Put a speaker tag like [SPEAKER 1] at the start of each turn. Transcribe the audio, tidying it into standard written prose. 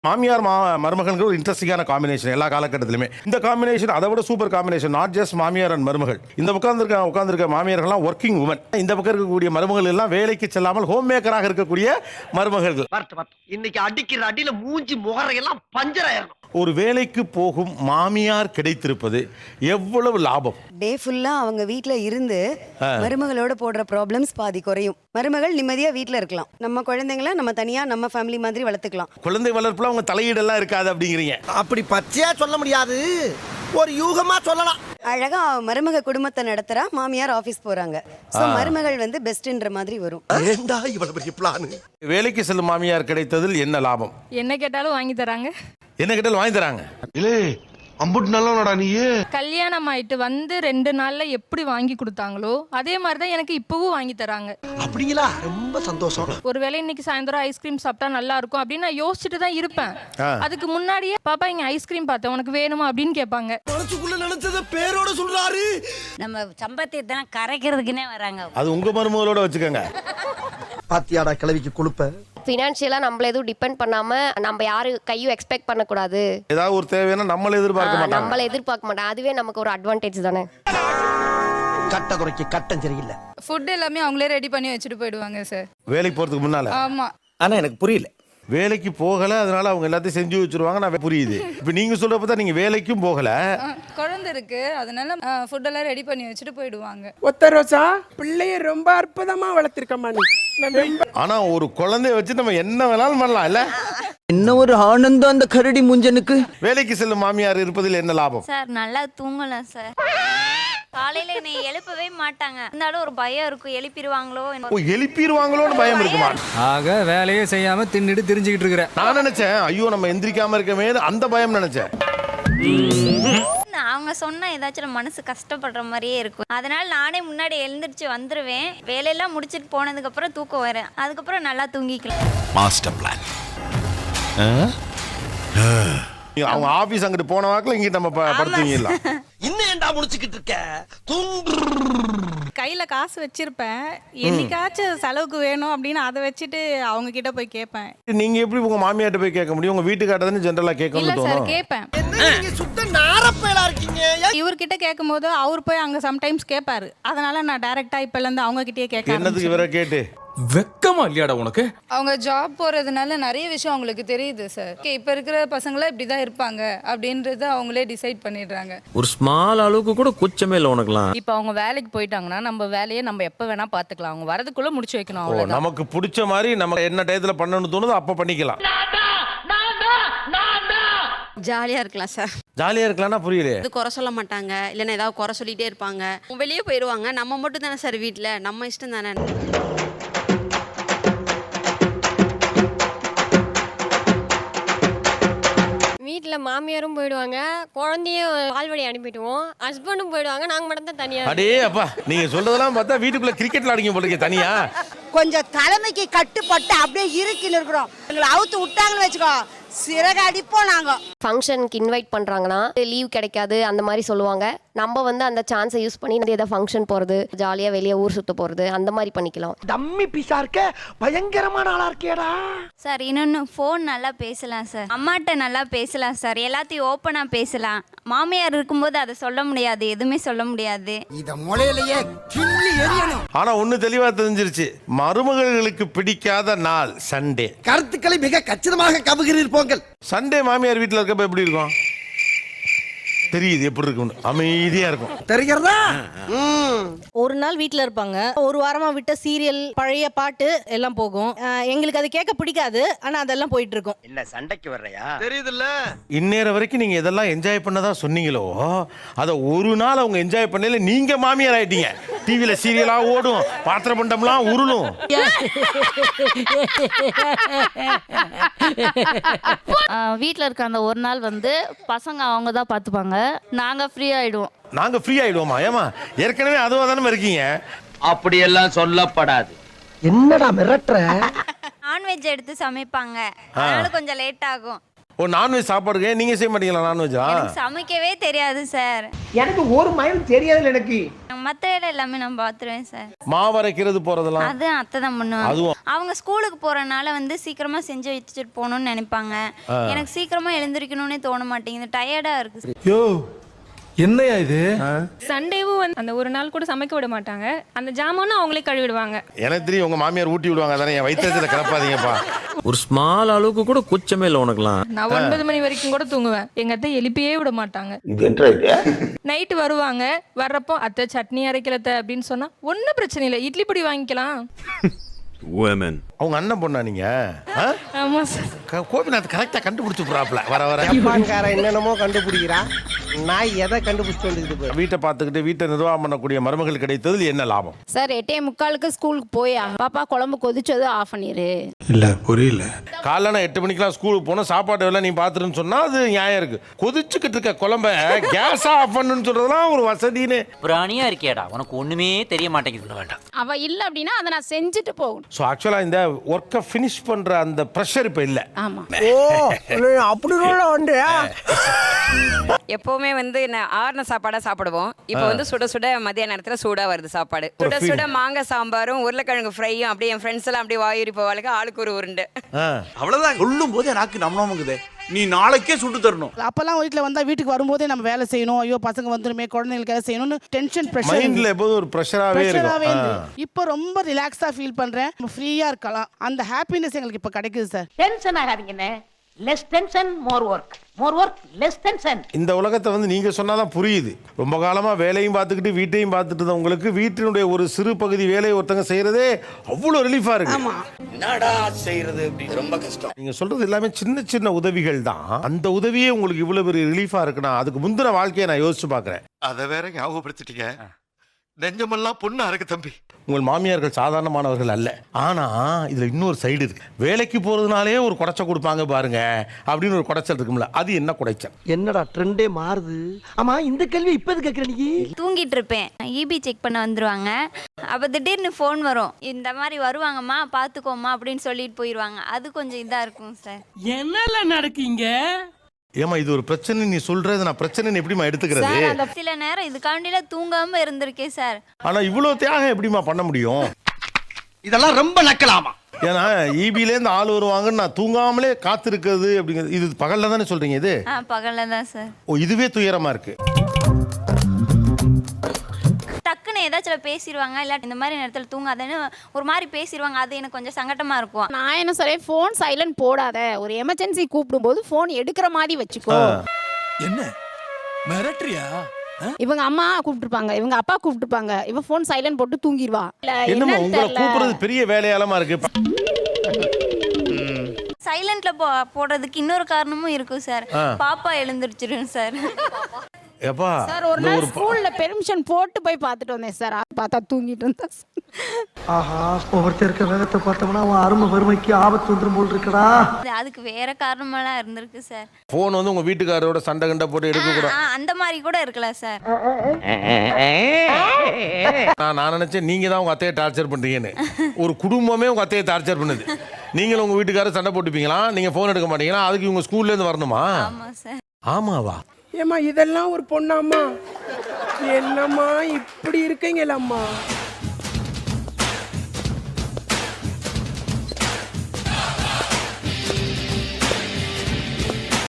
[SPEAKER 1] மாமியார் மருமகன்கள் ஒரு இன்ட்ரெஸ்டிங்கான காம்பினேஷன் எல்லா காலகட்டத்திலுமே. இந்த காம்பினேஷன் அதை விட சூப்பர் காம்பினேஷன். நாட் ஜஸ்ட் மாமியார் அண்ட் மருமகள். இந்த உட்கார்ந்திருக்க மாமியார்கள்லாம் ஒர்க்கிங் உமன். இந்த பக்கம் இருக்கக்கூடிய மருமகள் எல்லாம் வேலைக்கு செல்லாமல் ஹோம் மேக்கராக இருக்கக்கூடிய மருமகள்கள்.
[SPEAKER 2] இன்னைக்கு அடிக்கிற அடியில மூஞ்சி முகரையெல்லாம் பஞ்சராயிரும்.
[SPEAKER 1] ஒரு வேலைக்கு போகும் மாமியார் கிடைத்திருப்பது எவ்வளவு லாபம்.
[SPEAKER 3] டே ஃபுல்லா அவங்க வீட்ல இருந்து மருமகளோட போடுற ப்ராப்ளம்ஸ் பாதி குறையும். மருமகள் நிம்மதியா வீட்ல இருக்கலாம். நம்ம குழந்தைங்களை நம்ம தனியா நம்ம ஃபேமிலி மாதிரி வளர்த்துக்கலாம்.
[SPEAKER 1] குழந்தை வளர்ப்புல அவங்க தலையீடெல்லாம் இருக்காது அப்படிங்கிறீங்க.
[SPEAKER 2] அப்படி பச்சையா சொல்ல முடியாது, ஒரு யூகமா சொல்லலாம்.
[SPEAKER 3] அழகா மருமக குடும்பத்தை நடத்துறா, மாமியார் ஆபீஸ் போறாங்க. சோ மருமகள் வந்து பெஸ்ட்ன்ற மாதிரி வரும்.
[SPEAKER 2] ஏண்டா இவ்வளவு பெரிய பிளான்?
[SPEAKER 1] வேலைக்கு செல்லும் மாமியார் கிடைத்ததில் என்ன லாபம்?
[SPEAKER 4] என்ன கேட்டாலும் வாங்கி தராங்க.
[SPEAKER 1] என்ன கேட்டாலும் வாங்கி தராங்க.
[SPEAKER 5] இல்லே அம்புட்டு நல்லவனடா நீ.
[SPEAKER 4] கல்யாணம் ஆயிட்டு வந்து 2 நாள்ல எப்படி வாங்கி கொடுத்தாங்களோ அதே மாதிரிதான் எனக்கு இப்பவும் வாங்கி தராங்க.
[SPEAKER 2] அப்படிங்களா? ரொம்ப சந்தோஷம்.
[SPEAKER 4] ஒருவேளை இன்னைக்கு சாயந்தரம் ஐஸ்கிரீம் சாப்பிட்டா நல்லா இருக்கும் அப்படின்னு நான் யோசிச்சுட்டு தான் இருப்பேன். அதுக்கு முன்னாடியே பாப்பா இங்க ஐஸ்கிரீம் பார்த்தேன், உனக்கு வேணுமா அப்படின்னு கேட்பாங்க.
[SPEAKER 2] மனசுக்குள்ள நினைச்சத பேரோட சொல்றாரு.
[SPEAKER 6] நம்ம சம்பத்தியத்தை கரைக்கிறதுக்குன்னே வராங்க.
[SPEAKER 1] அது உங்க மருமகளோட வச்சுக்கோங்க.
[SPEAKER 2] பாத்தியாடா கிளவிக்கு கொழுப்ப.
[SPEAKER 7] ஃபினான்ஷியலா நம்மள எதுவும் டிபெண்ட் பண்ணாம நம்ம யாரு கையும் எக்ஸ்பெக்ட் பண்ணக்கூடாது.
[SPEAKER 1] ஏதாவது ஒரு தேவைன்னா நம்மள எதிர்பார்க்க
[SPEAKER 7] மாட்டாங்க. அதுவே நமக்கு ஒரு அட்வான்டேஜ் தானே.
[SPEAKER 2] கட்ட குறைக்கு கட்டம் சரியில்லை.
[SPEAKER 4] ஃபுட் எல்லாமே அவங்களே ரெடி பண்ணி வச்சுட்டு போயிடுவாங்க சார்
[SPEAKER 1] வேலைக்கு போறதுக்கு முன்னால.
[SPEAKER 4] ஆமா.
[SPEAKER 2] ஆனா எனக்கு புரியல.
[SPEAKER 1] வேலைக்கு போகல, அதனால அவங்க எல்லாத்தையும் செஞ்சு வச்சிருவாங்க. நான் புரியுது. இப்ப நீங்க சொல்றப்ப தான் நீங்க வேலைக்கும் போகல,
[SPEAKER 4] குழந்தை இருக்கு, அதனால ஃபுட் எல்லாம் ரெடி பண்ணி வச்சுட்டு போயிடுவாங்க.
[SPEAKER 8] ஒத்த ரோசா பிள்ளைய ரொம்ப அற்புதமா வளர்த்திருக்கமா நீ.
[SPEAKER 1] ஆனா ஒரு குழந்தைய வச்சு நம்ம என்ன வேணாலும் பண்ணலாம் இல்ல.
[SPEAKER 2] என்ன ஒரு ஆனந்தம் அந்த கரடி முஞ்சனுக்கு.
[SPEAKER 1] வேலைக்கு செல்லும் மாமியார் இருப்பதில் என்ன லாபம்?
[SPEAKER 6] சார் நல்லா தூங்கலாம் சார். காலையில என்னை எழுப்பவே மாட்டாங்க. இருந்தாலும் ஒரு பயம் இருக்கும், எழுப்பிடுவாங்களோ.
[SPEAKER 1] எழுப்பிடுவாங்களோன்னு பயம் இருக்குமா?
[SPEAKER 9] ஆக வேலையே செய்யாம தின்னுட்டு தெரிஞ்சுக்கிட்டு இருக்கிறேன்.
[SPEAKER 1] நான் நினைச்சேன் ஐயோ நம்ம எந்திரிக்காம இருக்கமே, அந்த பயம் நினைச்சேன்.
[SPEAKER 6] அவங்க சொன்னா ஏதாச்சும் மனசு கஷ்டப்படுற மாதிரியே இருக்கும். அதனால நானே முன்னாடி எழுந்திருச்சு வந்துருவேன். வேலையெல்லாம் முடிச்சிட்டு போனதுக்கு அப்புறம் தூக்கம் வரும். அதுக்கப்புறம் நல்லா தூங்கிக்கலாம்.
[SPEAKER 5] Master plan.
[SPEAKER 1] அவங்க ஆபீஸ் அங்கிட்டு போன வாக்குல இங்கிட்ட நம்ம படுத்துவீங்களா?
[SPEAKER 2] இன்னும் ஏண்டா முடிச்சுக்கிட்டு இருக்க?
[SPEAKER 4] கையில காசு வச்சிருப்பேன், என்னைக்காச்சும் செலவுக்கு வேணும் அப்படின்னு அதை வச்சுட்டு அவங்க கிட்ட போய் கேட்பேன்.
[SPEAKER 1] நீங்க எப்படி உங்க மாமியார்ட்ட போய் கேட்க முடியும்? உங்க வீட்டுக்காரட்ட தானே ஜெனரலா கேட்கணும்னு தோணும்.
[SPEAKER 4] கேட்பேன்.
[SPEAKER 2] நீங்க சுத்த நாரப்பையலா இருக்கீங்க.
[SPEAKER 4] இவர்கிட்ட கேட்கும் போது அவர் போய் அங்க சம்டைம்ஸ் கேட்பாரு. அதனால நான் டைரக்டா இப்பல இருந்து அவங்க கிட்டயே கேட்க.
[SPEAKER 1] என்னதுக்கு இவரை கேட்டு?
[SPEAKER 9] வெக்கமா இல்லையாடா உனக்கு?
[SPEAKER 4] அவங்க ஜாப் போறதுனால நிறைய விஷயம் அவங்களுக்கு தெரியுது சார். இப்ப இருக்கிற பசங்கள இப்படிதான் இருப்பாங்க அப்படின்றத அவங்களே டிசைட் பண்ணிடுறாங்க.
[SPEAKER 10] ஒரு ஸ்மால் அளவுக்கு கூட குச்சமே இல்லை உனக்குலாம்.
[SPEAKER 4] இப்ப அவங்க வேலைக்கு போயிட்டாங்கன்னா நம்ம வேலையை நம்ம எப்ப வேணா பாத்துக்கலாம். அவங்க வரதுக்குள்ள முடிச்சு வைக்கணும். அவ்வளவுதான்.
[SPEAKER 1] நமக்கு பிடிச்ச மாதிரி நம்ம என்ன டயத்துல பண்ணணும்னு தோணுதோ அப்ப பண்ணிக்கலாம்.
[SPEAKER 3] ஜாலியா இருக்கலாம் சார்.
[SPEAKER 1] ஜாலியா இருக்கலாம்னா புரியல.
[SPEAKER 3] இது குறை சொல்ல மாட்டாங்க, இல்லைன்னா ஏதாவது குறை சொல்லிட்டே இருப்பாங்க. வெளியே போயிடுவாங்க. நம்ம மட்டும் தானே சார் வீட்டுல, நம்ம இஷ்டம் தானே.
[SPEAKER 7] வீட்டுல மாமியாரும் போயிடுவாங்க, குழந்தையும் பால்வடி அனுப்பிடுவோம், ஹஸ்பண்டும் போயிடுவாங்க, நாங்க மட்டும் தான் தனியா.
[SPEAKER 1] அடே அப்பா, நீங்க சொல்றதெல்லாம் பார்த்தா வீட்டுக்குள்ள கிரிக்கெட் விளையாடிங்க போல இருக்கே தனியா.
[SPEAKER 3] கொஞ்சம் தலைமைக்கு கட்டுப்பட்டு அப்படியே இருக்கின்னு இருக்கிறோம். எங்களை அவுத்து விட்டாங்கன்னு வச்சுக்கோ, சிறகு அடிப்போம் நாங்க.
[SPEAKER 7] ஃபங்க்ஷனுக்கு இன்வைட் பண்றாங்கன்னா லீவ் கிடைக்காது அந்த மாதிரி சொல்லுவாங்க. நம்ம வந்து அந்த சான்ஸை யூஸ் பண்ணி ஏதாவது ஃபங்க்ஷன் போறது, ஜாலியா வெளியே ஊர் சுத்த போறது, அந்த மாதிரி பண்ணிக்கலாம்.
[SPEAKER 2] டம்மி பீஸா இருக்க, பயங்கரமான ஆளா இருக்கேடா.
[SPEAKER 6] சார் இன்னொன்னு, ஃபோன் நல்லா பேசலாம் சார். அம்மாட்ட நல்லா பேசலாம் சார். எல்லாத்தையும் ஓப்பனா பேசலாம். மாமியார் இருக்கும்போது அதை சொல்ல முடியாது, எதுவுமே சொல்ல முடியாது.
[SPEAKER 2] இத முளையிலேயே கிள்ளி எறியணும்.
[SPEAKER 1] ஆனா ஒண்ணு தெளிவா தெரிஞ்சிருச்சு, மருமகளுக்கு பிடிக்காத நாள் சண்டே.
[SPEAKER 2] கருத்துக்களை மிக கச்சிதமாக கவுகிறீர் போங்கள்.
[SPEAKER 1] சண்டே மாமியார் வீட்டுல இருக்கப்ப எப்படி இருக்கும் தெரியுது, எப்படி இருக்கும், அமைதியா இருக்கும்.
[SPEAKER 2] தெரிகிறதா?
[SPEAKER 4] ஒரு நாள் வீட்டுல இருப்பாங்க, ஒரு வாரமா விட்ட சீரியல், பழைய பாட்டு எல்லாம் போகும். எங்களுக்கு அது கேட்க பிடிக்காது, ஆனா அதெல்லாம் போயிட்டு இருக்கும்.
[SPEAKER 2] என்ன சண்டைக்கு வர்றையா? தெரியுதுல்ல.
[SPEAKER 1] இந்நேரம் வரைக்கும் நீங்க இதெல்லாம் என்ஜாய் பண்ணதா சொன்னீங்களோ, அத ஒரு நாள் அவங்க என்ஜாய் பண்ணல, நீங்க மாமியார் ஆயிட்டீங்க. டிவில சீரியலா ஓடும், பாத்திர பண்டம்லாம் உருளும்.
[SPEAKER 6] வீட்டில் இருக்க அந்த ஒரு நாள் வந்து பசங்க அவங்க தான் பார்த்துப்பாங்க. நாங்கள் ஃப்ரீ ஆகிடுவோம்.
[SPEAKER 1] நாங்கள் ஃப்ரீ ஆகிடுவோமா? ஏமா ஏற்கனவே அதுவாக தானே இருக்கீங்க.
[SPEAKER 2] அப்படியெல்லாம் சொல்லப்படாது. என்னடா மிரட்டுற?
[SPEAKER 6] நான்வெஜ் எடுத்து சமைப்பாங்க, அதனால கொஞ்சம் லேட் ஆகும்.
[SPEAKER 1] ஓ நான்வெஜ் சாப்பாடுங்க நீங்க செய்ய மாட்டீங்களா நான்வெஜ்ஜா?
[SPEAKER 6] எனக்கு சமைக்கவே தெரியாது சார்.
[SPEAKER 2] எனக்கு ஒரு மைல் தெரியாதுல எனக்கு.
[SPEAKER 6] மற்ற வேலை எல்லாமே நான் பார்த்துருவேன் சார்.
[SPEAKER 1] மாவு அரைக்கிறது போறதெல்லாம்
[SPEAKER 6] அது அத்தை தான் பண்ணுவாங்க.
[SPEAKER 1] அதுவும்.
[SPEAKER 6] அவங்க ஸ்கூலுக்கு போறனால வந்து சீக்கிரமா செஞ்சு வச்சுட்டு போகணும்னு நினைப்பாங்க. எனக்கு சீக்கிரமா எழுந்திருக்கணும்னே தோண மாட்டேங்குது, டயர்டா இருக்கு.
[SPEAKER 9] யோ என்னையா இது?
[SPEAKER 4] சண்டேவும் வந்து அந்த ஒரு நாள் கூட சமைக்க விட மாட்டாங்க. அந்த ஜாமானும் அவங்களே கழுவிடுவாங்க.
[SPEAKER 1] எனக்கு தெரியும் உங்க மாமியார் ஊட்டி விடுவாங்க, அதானே என் வயிற்றுல கிளப்பாதீங்கப்பா.
[SPEAKER 10] ஒரு ஸ்மால் அளவுக்கு கூட கூச்சமே இல்லை உனக்குலாம்.
[SPEAKER 4] நான் 9 மணி வரைக்கும் கூட தூங்குவேன். எங்க அத்தை எழுப்பியே விட மாட்டாங்க. நைட்டு வருவாங்க, வர்றப்போ அத்தை சட்னி அரைக்கலத்த அப்படின்னு சொன்னா ஒன்னும் பிரச்சனை இல்லை, இட்லி பொடி வாங்கிக்கலாம்.
[SPEAKER 1] அவங்க அண்ணன் பொண்ணா நீங்க?
[SPEAKER 4] ஆமா சார்.
[SPEAKER 1] கோபிநாத் கரெக்டா கண்டுபிடிச்சு போறாப்ல வர வர.
[SPEAKER 2] என்னென்னமோ கண்டுபிடிக்கிறா, நான் எதை கண்டுபிடிச்சு வந்துருக்கு.
[SPEAKER 1] வீட்டை பார்த்துக்கிட்டு வீட்டை நிர்வாகம் பண்ணக்கூடிய மருமகள் கிடைத்ததில் என்ன லாபம்?
[SPEAKER 4] சார் 8:45 ஸ்கூலுக்கு போய் பாப்பா குழம்பு கொதிச்சது ஆஃப் பண்ணிரு.
[SPEAKER 5] இல்ல புரியல.
[SPEAKER 1] காலைல நான் 8 மணிக்கெல்லாம் ஸ்கூலுக்கு போனா சாப்பாடு எல்லாம் நீ பாத்துருன்னு சொன்னா அது நியாயம் இருக்கு. கொதிச்சுக்கிட்டு இருக்க குழம்ப கேஸ் ஆஃப் பண்ணுன்னு சொல்றதுலாம் ஒரு வசதின்னு.
[SPEAKER 2] பிராணியா இருக்கியாடா, உனக்கு ஒண்ணுமே தெரிய மாட்டேங்குது. வேண்டாம்
[SPEAKER 4] அவ இல்ல அப்படின்னா அதை நான் செஞ்சுட்டு போகணும்.
[SPEAKER 1] ஸோ ஆக்சுவலாக இந்த ஒர்க்கை ஃபினிஷ் பண்ணுற அந்த ப்ரெஷர் இப்போ இல்லை.
[SPEAKER 4] ஆமா.
[SPEAKER 2] ஓ அப்படி உண்டு.
[SPEAKER 3] எப்பவுமே வந்து ஆறுன சாப்பாடா சாப்பிடுவோம். இப்போ வந்து சுட சுட மதிய நேரத்துல சூடா வருது சாப்பாடு. சுட சுட மாங்காய் சாம்பாரும் உருளைக்கிழங்கு ஃப்ரையும் அப்படியே என் ஃப்ரெண்ட்ஸ் எல்லாம் அப்படியே வாயூரி போவாளுக்கு, ஆளுக்கு ஒரு உருண்டு.
[SPEAKER 5] அவ்வளவுதான் சொல்லும் போது எனக்கு நம்மளுக்குதே நீ நாளைக்கே சுட்டு தரணும்.
[SPEAKER 8] அப்பெல்லாம் வீட்டுல வந்தா வீட்டுக்கு வரும்போதே நம்ம வேலை செய்யணும், ஐயோ பசங்க வந்துருமே குழந்தைங்களுக்கு எதாவது செய்யணும்னு டென்ஷன்
[SPEAKER 1] மைண்ட்ல எப்போதும் ஒரு ப்ரெஷராகவே இருக்கும்.
[SPEAKER 8] இப்போ ரொம்ப ரிலாக்ஸா ஃபீல் பண்றேன், ஃப்ரீயா இருக்கலாம். அந்த ஹாப்பினஸ் எங்களுக்கு இப்போ கிடைக்குது சார்.
[SPEAKER 2] டென்ஷன் ஆகாதீங்கண்ணே. Less tension more work, more work less tension.
[SPEAKER 1] இந்த உலகத்தை வந்து நீங்க சொன்னாதான் புரியுது. ரொம்ப காலமா வேலையும் பார்த்துக்கிட்டு வீட்டையும் பார்த்துட்டு உங்களுக்கு வீட்டினுடைய ஒரு சிறு பகுதி வேலையை ஒருத்தங்க செய்யறதே அவ்வளோ ரிலீஃபா இருக்கு.
[SPEAKER 2] என்னடா செய்யறது அப்படி ரொம்ப கஷ்டம்.
[SPEAKER 1] நீங்க சொல்றது எல்லாமே சின்ன சின்ன உதவிகள் தான். அந்த உதவியே உங்களுக்கு இவ்வளவு பெரிய ரிலீஃபா இருக்குன்னா அதுக்கு முந்தின வாழ்க்கையை நான் யோசிச்சு பாக்குறேன்.
[SPEAKER 5] அதை வேற ஞாபகப்படுத்திட்டீங்க. நெஞ்சமெல்லாம் பொண்ணு அறக்கு தம்பி.
[SPEAKER 1] உங்கள் மாமியார்கள் சாதாரணமானவர்கள் அல்ல. ஆனா இதுல இன்னொரு சைடு இருக்கு. வேலைக்கு போறதுனாலே ஒரு குடைச்சல் கொடுப்பாங்க பாருங்க அப்படின்னு ஒரு குடைச்சல் இருக்கும்ல, அது என்ன குடைச்சல்?
[SPEAKER 2] என்னடா ட்ரெண்டே மாறுது. ஆமா இந்த கேள்வி இப்ப எது கேக்குற நீ?
[SPEAKER 6] தூங்கிட்டு இருப்பேன், இபி செக் பண்ண வந்துருவாங்க. அப்ப திடீர்னு ஃபோன் வரும், இந்த மாதிரி வருவாங்கம்மா பாத்துக்கோமா அப்படின்னு சொல்லிட்டு போயிடுவாங்க. அது கொஞ்சம் இதா இருக்கும் சார்.
[SPEAKER 2] என்னல நடக்கீங்க?
[SPEAKER 1] ஏமா இது ஒரு பிரச்சனை நீ சொல்றது, நான் பிரச்சனை எப்படிமா எடுத்துக்கிறது?
[SPEAKER 6] சில நேரம் இதுக்காண்டில தூங்காம இருந்திருக்கேன் சார்.
[SPEAKER 1] ஆனா இவ்வளவு தியாகம் எப்படிமா பண்ண முடியும்?
[SPEAKER 2] இதெல்லாம் ரொம்ப நக்கலாமா?
[SPEAKER 1] ஏன்னா இபிலேருந்து ஆள் வருவாங்கன்னு நான் தூங்காமலே காத்திருக்கிறது அப்படிங்கிறது. இது பகல்ல தானே சொல்றீங்க? இது
[SPEAKER 6] பகல்ல தான் சார்.
[SPEAKER 1] ஓ இதுவே துயரமா இருக்கு.
[SPEAKER 6] டக்குன்னு ஏதாச்சும் பேசிடுவாங்க, இல்ல இந்த மாதிரி நேரத்துல தூங்காதேன்னு ஒரு மாதிரி பேசிடுவாங்க. அது எனக்கு கொஞ்சம் சங்கட்டமா இருக்கும்.
[SPEAKER 4] நான் என்ன சொல்றேன், ஃபோன் சைலண்ட் போடாத, ஒரு எமர்ஜென்சி கூப்பிடும் போது ஃபோன் எடுக்கிற மாதிரி வச்சுக்கோ.
[SPEAKER 5] என்ன மிரட்டறியா?
[SPEAKER 4] இவங்க அம்மா கூப்பிட்டுருப்பாங்க, இவங்க அப்பா கூப்பிட்டுருப்பாங்க, இவ ஃபோன் சைலண்ட் போட்டு தூங்கிடுவா.
[SPEAKER 1] என்னமா உங்களை கூப்பிடுறது பெரிய வேலையாலமா இருக்கு.
[SPEAKER 6] சைலண்ட்ல போடுறதுக்கு இன்னொரு காரணமும் இருக்கும் சார். பாப்பா எழுந்திருச்சிரும் சார்.
[SPEAKER 1] எப்பா
[SPEAKER 4] சார் ஒரு நாள் ஸ்கூல்ல பெர்மிஷன் போட்டு போய் பார்த்துட்டு வந்தேன் சார். பார்த்தா தூங்கிட்டு இருந்தா.
[SPEAKER 2] ஆஹா ஒவ்வொருத்தர் இருக்க வேகத்தை பார்த்தோம்னா அவன் அருமை வறுமைக்கு ஆபத்து வந்துரும் போல் இருக்கடா.
[SPEAKER 6] அதுக்கு வேற காரணமெல்லாம் இருந்திருக்கு சார்.
[SPEAKER 1] போன் வந்து உங்க வீட்டுக்காரரோட சண்டை கண்ட போட்டு எடுக்க கூட
[SPEAKER 6] அந்த மாதிரி கூட இருக்கலாம் சார்.
[SPEAKER 1] நான் நினைச்சேன் நீங்க தான் உங்க அத்தையை டார்ச்சர் பண்றீங்கன்னு. ஒரு குடும்பமே உங்க அத்தையை டார்ச்சர் பண்ணுது. நீங்களும் உங்க வீட்டுக்காரர் சண்டை போட்டுப்பீங்களா, நீங்க போன் எடுக்க மாட்டீங்களா, அதுக்கு இவங்க ஸ்கூல்ல இருந்து வரணுமா?
[SPEAKER 6] ஆமா சார்.
[SPEAKER 1] ஆமாவா?
[SPEAKER 8] ஏமா இதெல்லாம் ஒரு பொண்ணாம்மா? என்னம்மா இப்படி இருக்கீங்களம்மா?